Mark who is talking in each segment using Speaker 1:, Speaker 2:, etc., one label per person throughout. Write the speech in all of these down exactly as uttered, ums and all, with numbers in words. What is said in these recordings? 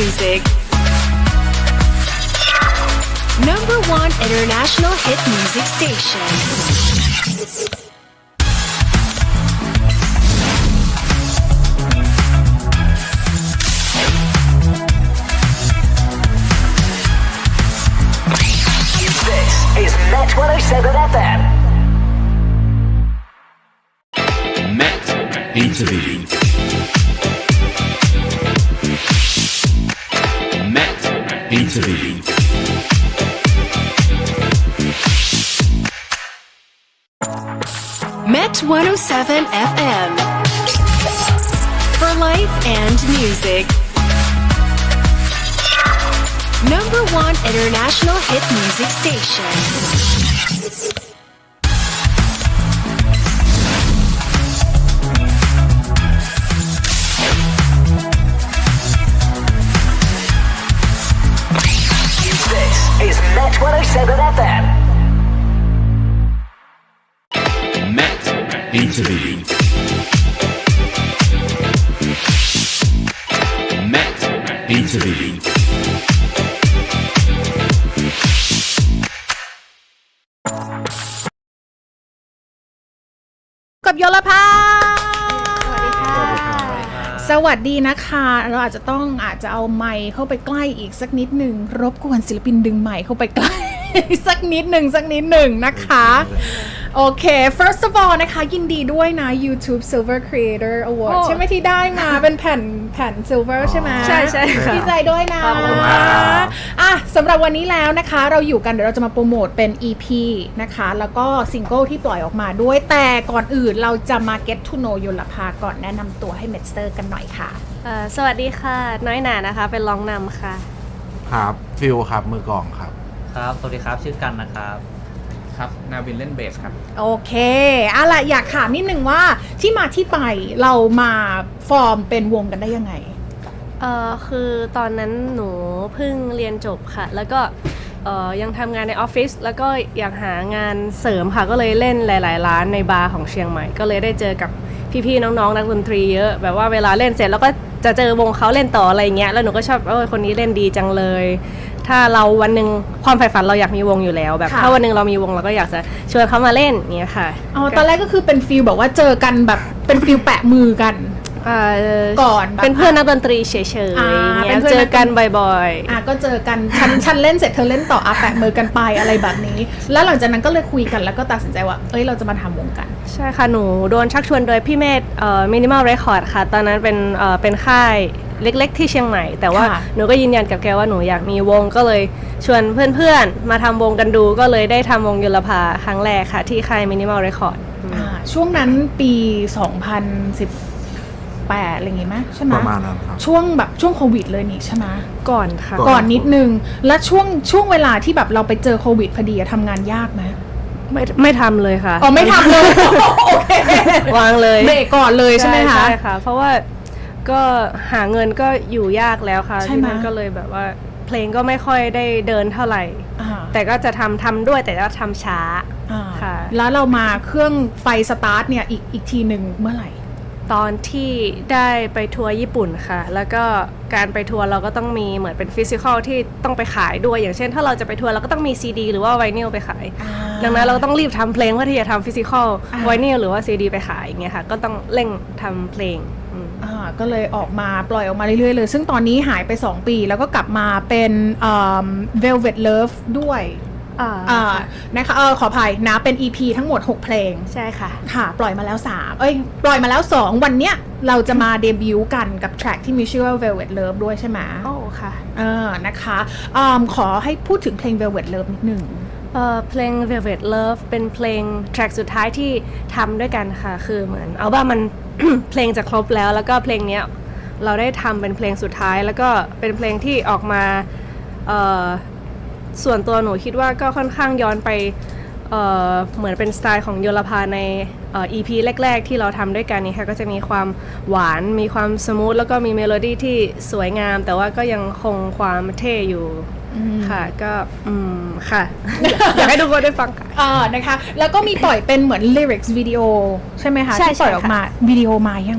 Speaker 1: music. Number one international hit music station.
Speaker 2: Is Met one oh seven F M.
Speaker 3: Met Interview. Met Interview.
Speaker 1: Met one oh seven F M. For life and music. Number one international hit music station.
Speaker 2: This is Met one oh seven F M.
Speaker 3: Met Interview. Met Interview.
Speaker 4: กับโยลภาสวัสดีนะคะเราอาจจะต้องอาจจะเอาไมค์เข้าไปใกล้อีกสักนิดหนึ่งรบกวนศิลปินดึงไมค์เข้าไปใกล้ สักนิดหนึ่งสักนิดหนึ่งนะคะโอเค first of all นะคะยินดีด้วยนะ YouTube Silver Creator Award ใช่ไหมที่ได้มาเป็นแผ่นแผ่น Silver ใช่ไหมใช่ใช่ดีใจด้วยนะอ่ะสำหรับวันนี้แล้วนะคะเราอยู่กันเดี๋ยวเราจะมาโปรโมทเป็น อี พี นะคะแล้วก็ซิงเกิลที่ปล่อยออกมาด้วยแต่ก่อนอื่นเราจะมา get to know โยลภาก่อนแนะนำตัวให้เมสเตอร์กันหน่อยค่ะ
Speaker 5: สวัสดีค่ะน้อยหนานะคะเป็นร้องนำค่ะ
Speaker 6: ครับฟิลครับมือกลองครับ
Speaker 7: ครับสวัสดีครับชื่อกันนะครับ
Speaker 8: ครับนาวินเล่นเบสครับ
Speaker 4: โอเคอะล่ะอยากถามนิดนึงว่าที่มาที่ไปเรามาฟอร์มเป็นวงกันได้ยังไง
Speaker 5: เอ่อคือตอนนั้นหนูเพิ่งเรียนจบค่ะแล้วก็เอ่อยังทำงานในออฟฟิศแล้วก็อยากหางานเสริมค่ะก็เลยเล่นหลายๆร้านในบาร์ของเชียงใหม่ก็เลยได้เจอกับพี่ๆน้องๆนักดนตรีเยอะแบบว่าเวลาเล่นเสร็จแล้วก็จะเจอวงเขาเล่นต่ออะไรเงี้ยแล้วหนูก็ชอบเออคนนี้เล่นดีจังเลยถ้าเราวันหนึ่งความใฝ่ฝันเราอยากมีวงอยู่แล้วแบบถ้าวันหนึ่งเรามีวงเราก็อยากจะชวนเขามาเล่นเงี้ยค่ะ
Speaker 4: อ๋อตอนแรกก็คือเป็นฟีลแบบว่าเจอกันแบบเป็นฟีลแปะมือกันก่อน
Speaker 5: เป็นเพื่อนนักดนตรีเฉยๆเงี้ยเจอกันบ่อย
Speaker 4: ๆอ่ะก็เจอกันฉันฉันเล่นเสร็จเธอเล่นต่ออ่ะแปะมือกันไปอะไรแบบนี้แล้วหลังจากนั้นก็เลยคุยกันแล้วก็ตัดสินใจว่าเอ้ยเราจะมาทำวงกัน
Speaker 5: ใช่ค่ะหนูโดนชักชวนโดยพี่เมธเอ่อ Minimal Record ค่ะตอนนั้นเป็นเอ่อเป็นค่ายเล็กๆที่เชียงใหม่แต่ว่าหนูก็ยืนยันกับแกว่าหนูอยากมีวงก็เลยชวนเพื่อนๆมาทำวงกันดูก็เลยได้ทำวงโยลภาครั้งแรกค่ะที่ค่าย Minimal Record
Speaker 4: อ่าช่วงนั้นปีสองพันสิบแปดอะไรอย่างงี้ไหมใช่ไหม
Speaker 6: ประมาณนั้นครับ
Speaker 4: ช่วงแบบช่วงโควิดเลยนี่ใช่ไหม
Speaker 5: ก่อนค่ะ
Speaker 4: ก่อนนิดนึงแล้วช่วงช่วงเวลาที่แบบเราไปเจอโควิดพอดีทำงานยากไหม
Speaker 5: ไม่ไม่ทำเลยค่ะ
Speaker 4: อ๋อไม่ทำเลยโอเคว
Speaker 5: างเลย
Speaker 4: เบรกก่อนเลยใช่ไหมคะ
Speaker 5: ใช่ค่ะเพราะว่าก็หาเงินก็อยู่ยากแล้วค่ะที่นั่นก็เลยแบบว่าเพลงก็ไม่ค่อยได้เดินเท่าไหร่แต่ก็จะทำทำด้วยแต่ก็ทำช้า
Speaker 4: ค่ะแล้วเรามาเครื่องไฟสตาร์ทเนี่ยอีกอีกทีหนึ่งเมื่อไหร่
Speaker 5: ตอนที่ได้ไปทัวร์ญี่ปุ่นค่ะแล้วก็การไปทัวร์เราก็ต้องมีเหมือนเป็นฟิสิกอลที่ต้องไปขายด้วยอย่างเช่นถ้าเราจะไปทัวร์เราก็ต้องมีซีดีหรือว่าไวนิลไปขายดังนั้นเราต้องรีบทำเพลงเพื่อที่จะทำฟิสิกอลไวนิลหรือว่าซีดีไปขายอย่างเงี้ยค่ะก็ต้องเร่งทำเพลง
Speaker 4: อ่าก็เลยออกมาปล่อยออกมาเรื่อยๆเลยซึ่งตอนนี้หายไปสองปีแล้วก็กลับมาเป็นเอ่อ Velvet Love ด้วยอ่านะคะเออขออภัยนะเป็น อี พี ทั้งหมดหกเพลง
Speaker 5: ใช่ค่ะ
Speaker 4: ค่ะปล่อยมาแล้วสามเอ้ยปล่อยมาแล้วสองวันเนี้ยเราจะมาเดบิวต์กันกับแทร็กที่มีชื่อว่า Velvet Love ด้วยใช่ไหม
Speaker 5: โอ้ค่ะ
Speaker 4: เออนะคะอ่าขอให้พูดถึงเพลง Velvet Love นิดนึง
Speaker 5: เอ่อเพลง Velvet Love เป็นเพลงแทร็กสุดท้ายที่ทำด้วยกันค่ะคือเหมือนอัลบั้มมัน เพลงจะครบแล้วแล้วก็เพลงเนี้ยเราได้ทำเป็นเพลงสุดท้ายแล้วก็เป็นเพลงที่ออกมาเอ่อส่วนตัวหนูคิดว่าก็ค่อนข้างย้อนไป เอ่อเหมือนเป็นสไตล์ของโยลภาในเอ่อ อี พี แรกๆที่เราทำด้วยกันนี่ค่ะก็จะมีความหวานมีความสมูทแล้วก็มีเมโลดี้ที่สวยงามแต่ว่าก็ยังคงความเท่อยู่ค่ะก็อืมค่ะ อยากให้ทุกคนได้ฟังค่ะ
Speaker 4: อ่านะคะแล้วก็มีปล่อยเป็นเหมือนลิริกส์วิดีโอใช่ไหมคะที่ปล่อยออกมาวิดีโอมายัง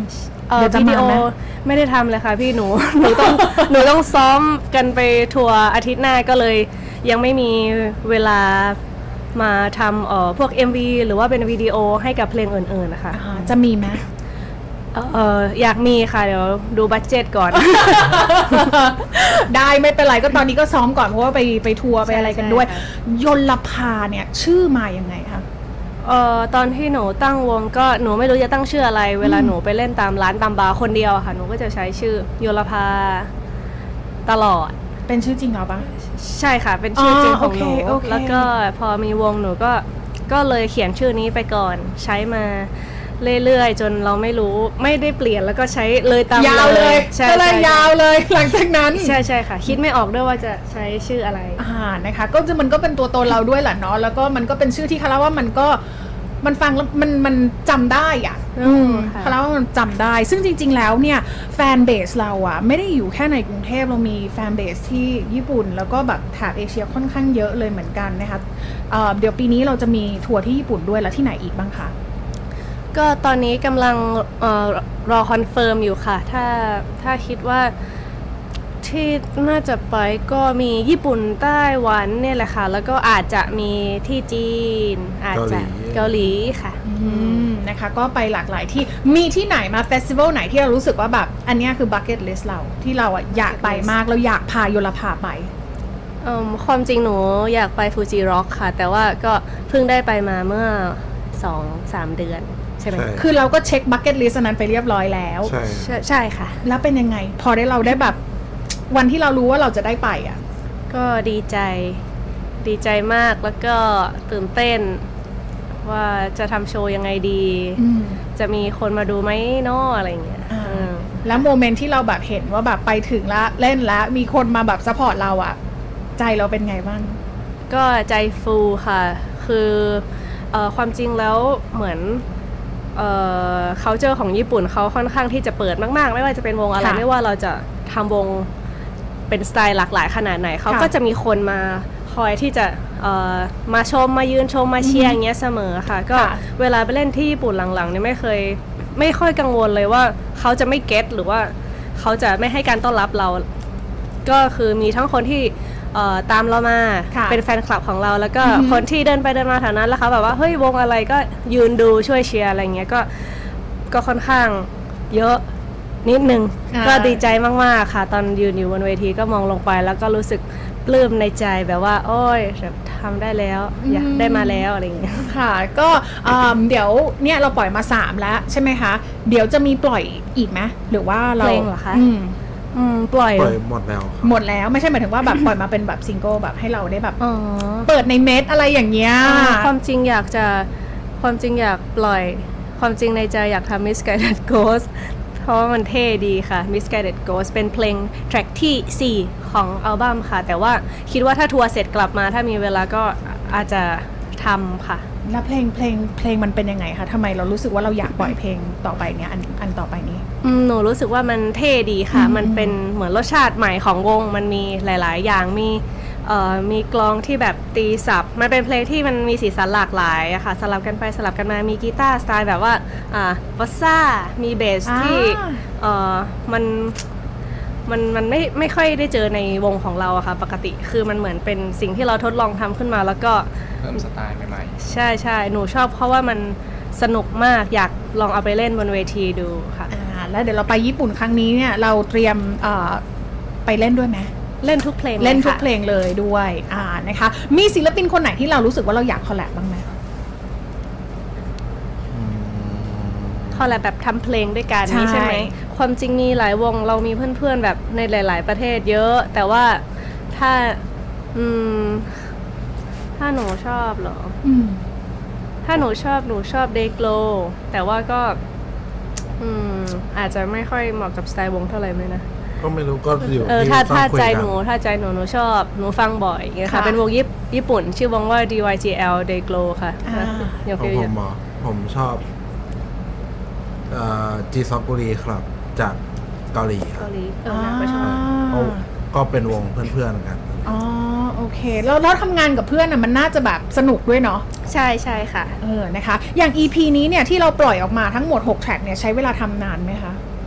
Speaker 5: เอ่อ
Speaker 4: เดี๋ยวจะ
Speaker 5: วิ
Speaker 4: มา
Speaker 5: ดีโอ
Speaker 4: ไหม
Speaker 5: ไม่ได้ทำเลยค่ะพี่หนู หนูต้อง หนูต้องซ้อมกันไปทัวร์อาทิตย์หน้าก็เลยยังไม่มีเวลามาทำเอ่อพวก เอ็ม วี หรือว่าเป็นวิดีโอให้กับเพลงอื่นๆนะคะ
Speaker 4: อ่าจะมีไหม
Speaker 5: เอ่ออยากมีค่ะเดี๋ยวดูบัดเจ็ตก่อน
Speaker 4: ได้ไม่เป็นไรก็ตอนนี้ก็ซ้อมก่อนเพราะว่าไปไปทัวร์ไปอะไรกันด้วย
Speaker 5: ใช่ค่ะ
Speaker 4: ยลภาเนี่ยชื่อมายังไงคะ
Speaker 5: เอ่อตอนที่หนูตั้งวงก็หนูไม่รู้จะตั้งชื่ออะไร เวลาหนูไปเล่นตามร้านตามบาร์คนเดียวอะค่ะหนูก็จะใช้ชื่อโยลภาตลอด
Speaker 4: เป็นชื่อจริงเหรอปะ
Speaker 5: ใช่ค่ะเป็นชื่อจริงของหนู
Speaker 4: อ๋อโอเคโอเค
Speaker 5: แล้วก็พอมีวงหนูก็ก็เลยเขียนชื่อนี้ไปก่อนใช้มาเรื่อยๆ จนเราไม่รู้ไม่ได้เปลี่ยนแล้วก็ใช้เลยตาม
Speaker 4: ยาวเลย
Speaker 5: ใช่
Speaker 4: ก็เลย
Speaker 5: ใช่
Speaker 4: ยาวเลยหลังจากนั้น
Speaker 5: ใช่ใช่ค่ะ คิดไม่ออกด้วยว่าจะใช้ชื่ออะไร
Speaker 4: อ่านะคะก็จะมันก็เป็นตัวตนเราด้วยแหละเนาะแล้วก็มันก็เป็นชื่อที่คาราว่ามันก็มันฟังแล้วมันมันจำได้อ่ะ
Speaker 5: อืมค่ะ
Speaker 4: คาราว่ามันจำได้ ซึ่งจริง ๆ แล้วเนี่ยแฟนเบสเราอ่ะไม่ได้อยู่แค่ในกรุงเทพเรามีแฟนเบสที่ญี่ปุ่น แล้วก็แบบแถบเอเชียค่อนข้างเยอะเลยเหมือนกันนะคะเอ่อเดี๋ยวปีนี้เราจะมีทัวร์ที่ญี่ปุ่นด้วยแล้วที่ไหนอีกบ้างคะ
Speaker 5: ก็ตอนนี้กำลังเอ่อรอคอนเฟิร์มอยู่ค่ะ ถ้าถ้าคิดว่าที่น่าจะไปก็มีญี่ปุ่นไต้หวันเนี่ยแหละค่ะ แล้วก็อาจจะมีที่จีน อาจจะเกาหลีค่ะ
Speaker 4: อืมนะคะก็ไปหลากหลายที่มีที่ไหนมาเฟสติวัลไหนที่เรารู้สึกว่าแบบอันเนี้ยคือบั c เก็ตลิสต์เราที่เราอ่ะอยากไปมากเราอยากพาโยลภาไป
Speaker 5: เอิ่มความจริงหนูอยากไปฟูจิร็อกค่ะ แต่ว่าก็เพิ่งได้ไปมาเมื่อ สองถึงสาม เดือนใช่ไหม
Speaker 6: ใช่
Speaker 4: คือเราก็เช็คบั c เก็ตลิสต์อันนั้นไปเรียบร้อยแล้ว
Speaker 6: ใช่
Speaker 5: ใช่ใช่ค่ะ
Speaker 4: แล้วเป็นยังไง พอได้เราได้แบบวันที่เรารู้ว่าเราจะได้ไปอ่ะ
Speaker 5: ก็ดีใจดีใจมากแล้วก็ตื่นเต้นว่าจะทำโชว์ยังไงดี
Speaker 4: อืม
Speaker 5: จะมีคนมาดูไหมเนาะอะไรอย่างเงี้ย
Speaker 4: อ่า
Speaker 5: เออ
Speaker 4: แล้วโมเมนต์ที่เราแบบเห็นว่าแบบไปถึงแล้วเล่นแล้วมีคนมาแบบซัพพอร์ตเราอ่ะ ใจเราเป็นไงบ้าง
Speaker 5: ก็ใจฟูค่ะ คือเอ่อความจริงแล้วเหมือนเอ่อ culture ของญี่ปุ่นเขาค่อนข้างที่จะเปิดมากๆ ไม่ว่าจะเป็นวงอะไร
Speaker 4: ค่ะ
Speaker 5: ไม่ว่าเราจะทำวงเป็นสไตล์หลากหลายขนาดไหน เขา
Speaker 4: ค่ะ
Speaker 5: ก็จะมีคนมาคอยที่จะเอ่อมาชมมายืนชมมาเชียร์อย่างเงี้ยเสมอค่ะ ก็
Speaker 4: ค่ะ
Speaker 5: เวลาไปเล่นที่ญี่ปุ่นหลังๆเนี่ยไม่เคยไม่ค่อยกังวลเลยว่าเขาจะไม่เก็ตหรือว่าเขาจะไม่ให้การต้อนรับเรา ก็คือมีทั้งคนที่เอ่อตามเรามา
Speaker 4: ค่ะ
Speaker 5: เป็นแฟนคลับของเรา แล้วก็
Speaker 4: อือฮึ
Speaker 5: คนที่เดินไปเดินมาแถวนั้นแล้วเขาแบบว่าเฮ้ยวงอะไรก็ยืนดูช่วยเชียร์อะไรเงี้ยก็ก็ค่อนข้างเยอะนิดนึง
Speaker 4: อ่า
Speaker 5: ก็ดีใจมากๆค่ะ ตอนยืนอยู่บนเวทีก็มองลงไปแล้วก็รู้สึกปลื้มในใจแบบว่า โอ้ยแบบทำได้แล้วอยากได้มาแล้วอะไรเงี้ย
Speaker 4: ค่ะก็เอิ่มเดี๋ยวเนี่ยเราปล่อยมาสามแล้วใช่ไหมคะ เดี๋ยวจะมีปล่อยอีกไหมหรือว่าเรา
Speaker 5: เพลงเหรอคะ
Speaker 4: อืม
Speaker 5: อืมปล่อย
Speaker 6: ปล่อยหมดแล้วครับ
Speaker 4: หมดแล้วไม่ใช่หมายถึงว่าแบบ ปล่อยมาเป็นแบบซิงเกิลแบบให้เราได้แบบ
Speaker 5: อ๋อ
Speaker 4: เปิดในเมสอะไรอย่างเงี้ย
Speaker 5: อ่าความจริงอยากจะความจริงอยากปล่อยความจริงในใจอยากทำ Misguided Ghost เพราะว่ามันเท่ดีค่ะ Misguided Ghost เป็นเพลงแทร็กที่สี่ของอัลบั้มค่ะ แต่ว่าคิดว่าถ้าทัวร์เสร็จกลับมาถ้ามีเวลาก็อาจจะทำค่ะ
Speaker 4: แล้วเพลงเพลงเพลงมันเป็นยังไงคะทำไมเรารู้สึกว่าเราอยากปล่อยเพลงต่อไปเนี้ยอันอันต่อไปนี้
Speaker 5: อืมหนูรู้สึกว่ามันเท่ดีค่ะ
Speaker 4: อืม
Speaker 5: มันเป็นเหมือนรสชาติใหม่ของวง มันมีหลาย ๆ อย่าง มีเอ่อมีกลองที่แบบตีสับ มันเป็นเพลงที่มันมีสีสันหลากหลายอะค่ะ สลับกันไปสลับกันมา มีกีตาร์สไตล์แบบว่า อ่าบอสซ่า มีเบสที่
Speaker 4: อ่า
Speaker 5: เอ่อ มัน มันมันไม่ไม่ค่อยได้เจอในวงของเราอะค่ะ ปกติ คือมันเหมือนเป็นสิ่งที่เราทดลองทำขึ้นมาแล้วก็
Speaker 8: เพิ่มสไตล์ใหม่
Speaker 5: ใช่ใช่หนูชอบเพราะว่ามันสนุกมาก อยากลองเอาไปเล่นบนเวทีดูค่ะ
Speaker 4: อ่าแล้วเดี๋ยวเราไปญี่ปุ่นครั้งนี้เนี่ยเราเตรียมเอ่อไปเล่นด้วยไหม
Speaker 5: เล่นทุกเพลง
Speaker 4: เล่นทุก
Speaker 5: ค่ะ
Speaker 4: เพลงเลยด้วยอ่านะคะมีศิลปินคนไหนที่เรารู้สึกว่าเราอยากคอลแลบบ้างไหม
Speaker 6: อืม
Speaker 5: พอแหละแบบทำเพลงด้วยกัน
Speaker 4: ใช่
Speaker 5: นี่ใช่ไหมความจริงมีหลายวงเรามีเพื่อนๆแบบในหลาย ๆ ประเทศเยอะ แต่ว่าถ้าอืมถ้าหนูชอบเหรอ
Speaker 4: อืม
Speaker 5: ถ้าหนูชอบหนูชอบเดโกลแต่ว่าก็อืมอาจจะไม่ค่อยเหมาะกับสไตล์วงเท่าไหร่ไหมนะ
Speaker 6: ก็ไม่รู้ก็อยู่
Speaker 5: เออ
Speaker 6: ที่
Speaker 5: ถ้า
Speaker 6: ต้อง
Speaker 5: ถ้า
Speaker 6: คุย
Speaker 5: ใจ
Speaker 6: กัน
Speaker 5: หนูถ้าใจหนูหนูชอบหนูฟังบ่อยอย่างเงี้ยค่ะ
Speaker 4: ค่ะ
Speaker 5: เป็นวงญี่ปุ่นญี่ปุ่น ชื่อวงว่า ดี วาย จี แอล Dayglow ค่ะ
Speaker 4: อ่า
Speaker 5: อย่า
Speaker 6: ของ
Speaker 5: ฟิล
Speaker 6: ผ
Speaker 5: อย่าม
Speaker 6: เหรอผมชอบเอ่อจีซอกกุรีครับ จากเกาหลีค
Speaker 5: เกา
Speaker 6: รับ
Speaker 5: หลีเออน่าก็ชอบ
Speaker 6: เขาก็เป็นวงเพื่อนๆกัน
Speaker 4: อ๋อโอเคแล้วแล้วทำงานกับเพื่อนอ่ะมันน่าจะแบบสนุกด้วยเนาะ
Speaker 5: ใช่ใช่ค่ะ
Speaker 4: เออนะคะ อย่าง อี พี นี้เนี่ยที่เราปล่อยออกมาทั้งหมดหกแทร็กเนี่ยใช้เวลาทำนานไหมคะ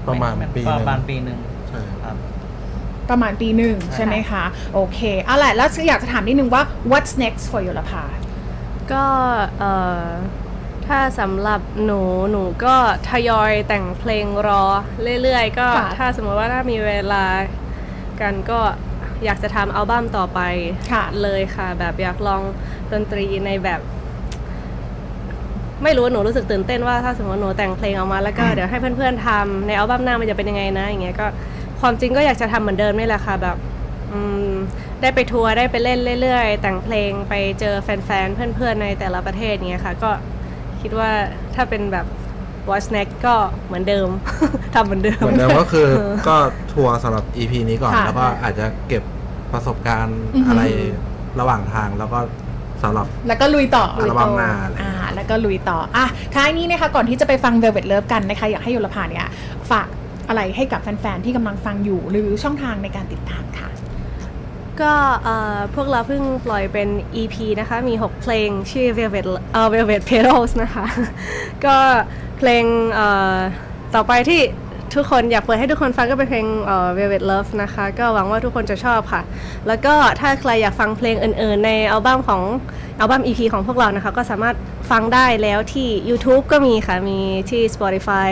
Speaker 6: ประมาณปีห
Speaker 7: ป
Speaker 6: นึ่ง
Speaker 7: ระมาณปีหนึ่ง
Speaker 6: ใช่
Speaker 7: ครับ
Speaker 4: ประมาณปีหนึ่งใช่ไหมคะ โอเคเอาล่ะแล้วอยากจะถามนิดนึงว่า what's next for ยุรภา
Speaker 5: ก็เอ่อถ้าสำหรับหนูหนูก็ทยอยแต่งเพลงรอเรื่อยๆ ก็
Speaker 4: ค่ะ
Speaker 5: ถ้าสมมติว่าถ้ามีเวลากันก็อยากจะทำอัลบั้มต่อไป
Speaker 4: ค่ะ
Speaker 5: เลยค่ะ แบบอยากลองดนตรีในแบบ ไม่รู้หนูรู้สึกตื่นเต้นว่าถ้าสมมติหนูแต่งเพลงออกมาแล้วก็เดี๋ยวให้เพื่อนๆทำในอัลบั้มหน้ามันจะเป็นยังไงนะอย่างเงี้ยก็ความจริงก็อยากจะทำเหมือนเดิมนี่แหละค่ะแบบอืมได้ไปทัวร์ได้ไปเล่นเรื่อยๆแต่งเพลงไปเจอแฟนๆเพื่อนๆในแต่ละประเทศเงี้ยค่ะก็คิดว่าถ้าเป็นแบบ What's Next ก็เหมือนเดิม ทำเหมือนเดิม
Speaker 6: เหมือนเดิมก็คือก็ทัวร์สำหรับ อี พี นี้ก่อน
Speaker 4: ค่ะ
Speaker 6: แล้วก็อาจจะเก็บประสบการณ์
Speaker 4: อือฮึ
Speaker 6: อะไรระหว่างทางแล้วก็สำหรับ
Speaker 4: แล้วก็ลุยต่อ
Speaker 6: อัลบั้มหน้าอะไร
Speaker 4: อ่าแล้วก็ลุยต่ออ่ะท้ายนี้นะคะก่อนที่จะไปฟัง Velvet Love กันนะคะอยากให้ยุรภาเนี่ยฝากอะไรให้กับแฟนๆที่กำลังฟังอยู่หรือช่องทางในการติดตามค่ะ
Speaker 5: ก็เอ่อพวกเราเพิ่งปล่อยเป็น อี พี นะคะ มี หก เพลงชื่อ Velvet เอ่อ Velvet Petals นะคะ ก็เพลงเอ่อต่อไปที่ทุกคนอยากเปิดให้ทุกคนฟังก็เป็นเพลงเอ่อ Velvet Love นะคะ ก็หวังว่าทุกคนจะชอบค่ะ แล้วก็ถ้าใครอยากฟังเพลงอื่นๆ ในอัลบั้มของอัลบั้ม อี พี ของพวกเรานะคะ ก็สามารถฟังได้แล้วที่ YouTube ก็มีค่ะ มีที่ Spotify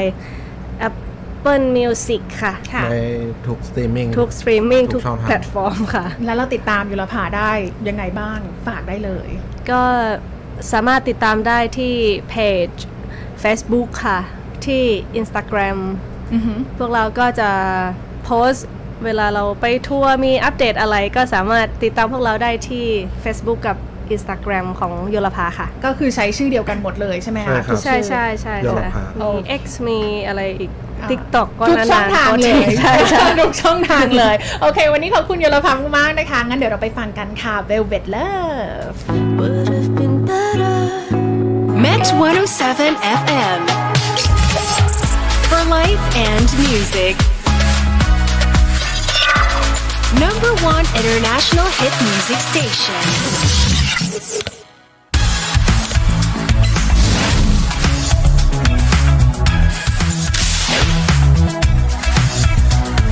Speaker 5: Apple Music ค่ะ
Speaker 6: ในทุกสตรีมมิ่ง
Speaker 5: ทุกสตรีมมิ่ง
Speaker 6: ทุ
Speaker 5: ทุ
Speaker 6: ก
Speaker 5: ก
Speaker 6: ช่องทาง
Speaker 5: แพลตฟอร์มค่ะ
Speaker 4: แล้วเราติดตามยุรภาได้ยังไงบ้างฝากได้เลย
Speaker 5: ก็สามารถติดตามได้ที่เพจ Facebook ค่ะ ที่ Instagram
Speaker 4: อือหือ
Speaker 5: พวกเราก็จะโพสต์เวลาเราไปทัวร์มีอัปเดตอะไรก็สามารถติดตามพวกเราได้ที่ Facebook กับ Instagram ของโยลภาค่ะ
Speaker 4: ก็คือใช้ชื่อเดียวกันหมดเลยใช่ไหม
Speaker 6: ใช่
Speaker 4: คะ
Speaker 6: ครับ
Speaker 4: ทุก
Speaker 5: ใช่
Speaker 4: อ
Speaker 5: ใช่ใช่
Speaker 6: โยล
Speaker 5: ค่ะ
Speaker 6: ภา
Speaker 5: มี X มีอะไรอีก
Speaker 4: อ่า
Speaker 5: TikTok ก็
Speaker 4: ทุก
Speaker 5: นานๆ
Speaker 4: ช่องทางเลย
Speaker 5: ใช่ใช่
Speaker 4: ทุกช่องทางเลย โอเค วันนี้ขอบคุณยุรภามากๆนะคะ งั้นเดี๋ยวเราไปฟังกันค่ะ Velvet Love
Speaker 1: Met one oh seven เอฟ เอ็มFor life and music Number one international hit music station